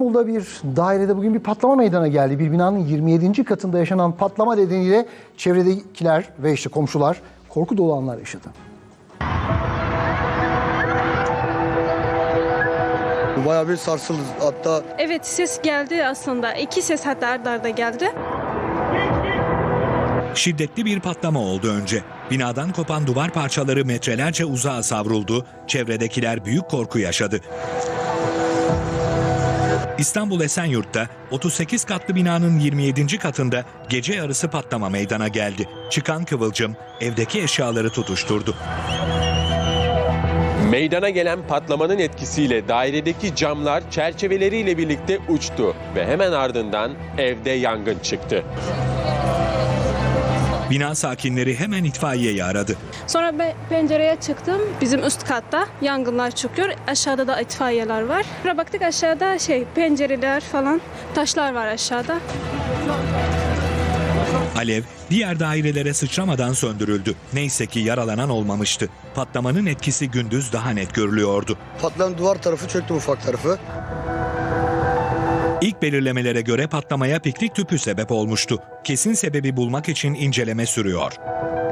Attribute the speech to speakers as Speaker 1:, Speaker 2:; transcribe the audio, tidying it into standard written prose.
Speaker 1: İstanbul'da bir dairede bugün bir patlama meydana geldi. Bir binanın 27. katında yaşanan patlama nedeniyle çevredekiler ve işte komşular korku dolu anlar yaşadı.
Speaker 2: Bayağı bir sarsıldı hatta.
Speaker 3: Evet, ses geldi aslında. İki ses hatta arda arda geldi.
Speaker 4: Şiddetli bir patlama oldu önce. Binadan kopan duvar parçaları metrelerce uzağa savruldu. Çevredekiler büyük korku yaşadı. İstanbul Esenyurt'ta 38 katlı binanın 27. katında gece yarısı patlama meydana geldi. Çıkan kıvılcım evdeki eşyaları tutuşturdu.
Speaker 5: Meydana gelen patlamanın etkisiyle dairedeki camlar çerçeveleriyle birlikte uçtu ve hemen ardından evde yangın çıktı.
Speaker 4: Bina sakinleri hemen itfaiyeyi aradı.
Speaker 3: Sonra ben pencereye çıktım. Bizim üst katta yangınlar çıkıyor. Aşağıda da itfaiyeler var. Sonra baktık aşağıda pencereler falan, taşlar var aşağıda.
Speaker 4: Alev diğer dairelere sıçramadan söndürüldü. Neyse ki yaralanan olmamıştı. Patlamanın etkisi gündüz daha net görülüyordu.
Speaker 2: Patlayan duvar tarafı çöktü, ufak tarafı.
Speaker 4: İlk belirlemelere göre patlamaya piknik tüpü sebep olmuştu. Kesin sebebi bulmak için inceleme sürüyor.